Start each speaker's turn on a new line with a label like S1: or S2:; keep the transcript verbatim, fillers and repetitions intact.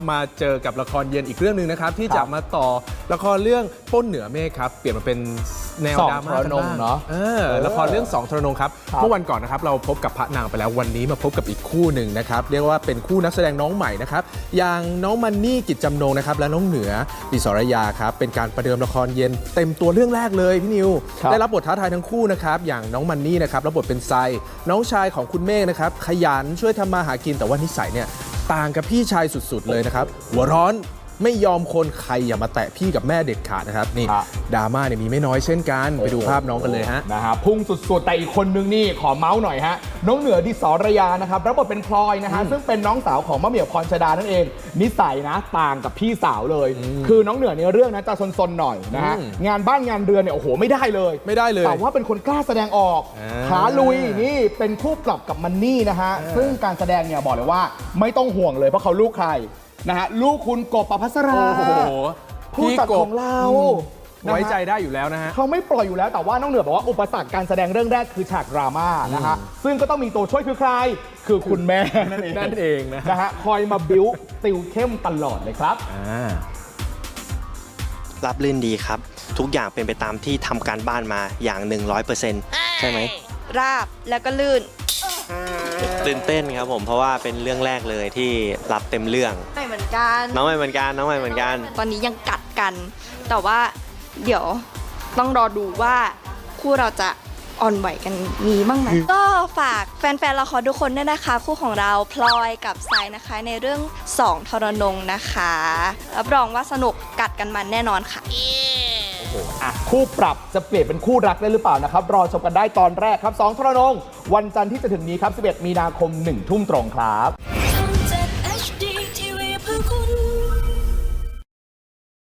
S1: มาเจอกับละครเย็นอีกเรื่องหนึ่งนะครับที่จะมาต่อละครเรื่องป้นเหนือเมฆครับเปลี่ยนมาเป็นแนวดราม่ากันบ้างเนาะเออละครเรื่องสองทรนงครับเมื่อวันก่อนนะครับเราพบกับพระนางไปแล้ววันนี้มาพบกับอีกคู่หนึ่งนะครับเรียกว่าเป็นคู่นักแสดงน้องใหม่นะครับอย่างน้องมันนี่กิจจำนงนะครับและน้องเหนือดิศรยาครับเป็นการประเดิมละครเย็นเต็มตัวเรื่องแรกเลยพี่นิวได้รับบทท้าทายทั้งคู่นะครับอย่างน้องมันนี่นะครับรับบทเป็นไซน้องชายของคุณเมฆนะครับขยันช่วยทำมาหากินแต่ว่านิสัยเนี่ยต่างกับพี่ชายสุดๆเลยนะครับหัวร้อนไม่ยอมคนใครอย่ามาแตะพี่กับแม่เด็ดขาดนะครับนี่ดราม่าเนี่ยมีไม่น้อยเช่นกันไปดูภาพน้องกันเลยฮะ
S2: นะฮะพุ่งสุดๆแต่อีกคนนึงนี่ขอเมาส์หน่อยฮะน้องเหนือดิศรยานะครับรับบทเป็นพลอยนะฮะซึ่งเป็นน้องสาวของมะเหมี่ยวพรชดานั่นเองนิสัยนะต่างกับพี่สาวเลยคือน้องเหนือในเรื่องนะจะซนๆหน่อยนะฮะงานบ้านงานเรือนเนี่ยโอ้โหไม่ได้เลย
S1: ไม่ได้เลย
S2: แต่ว่าเป็นคนกล้าแสดงออกขาลุยนี่เป็นคู่ปรับกับมันนี่นะฮะซึ่งการแสดงเนี่ยบอกเลยว่าไม่ต้องห่วงเลยเพราะเขาลูกใครนะฮะลูกคุณกบประภัสราผู้จัดของเรา
S1: ไว้ใจได้อยู่แล้วนะฮะ
S2: เขาไม่ปล่อยอยู่แล้วแต่ว่าน้องเหนือบอกว่าอุปสรรคการแสดงเรื่องแรกคือฉากดราม่านะฮะซึ่งก็ต้องมีตัวช่วยคือใครคือคุณแม่นั่นเอง
S1: นั่นเองนะ
S2: นะฮะคอยมาบิ้วติวเข้มตลอดเลยครับ
S3: รับลื่นดีครับทุกอย่างเป็นไปตามที่ทำการบ้านมาอย่าง หนึ่งร้อยเปอร์เซ็นต์ ใช่ไหม
S4: ราบแล้วก็ลื่น
S3: ตื่นเต้นครับผมเพราะว่าเป็นเรื่องแรกเลยที่รับเต็มเรื่อง
S4: ไม่เหมือนกัน
S3: น้องไม่เหมือนกันน้องไม่เหมือนกัน
S4: ตอนนี้ยังกัดกันแต่ว่าเดี๋ยวต้องรอดูว่าคู่เราจะอ่อนไหวกันมีบ้างไหมก็ฝากแฟนๆละครทุกคนด้วยนะคะคู่ของเราพลอยกับไซนะคะในเรื่องสองทรนงนะคะรับรองว่าสนุกกัดกันมันแน่นอนค่ะ
S2: คู่ปรับจะเปลี่ยนเป็นคู่รักได้หรือเปล่านะครับรอชมกันได้ตอนแรกครับสองทรนงวันจันทร์ที่จะถึงนี้ครับสิบเอ็ดมีนาคมหนึ่งทุ่มตรงครับ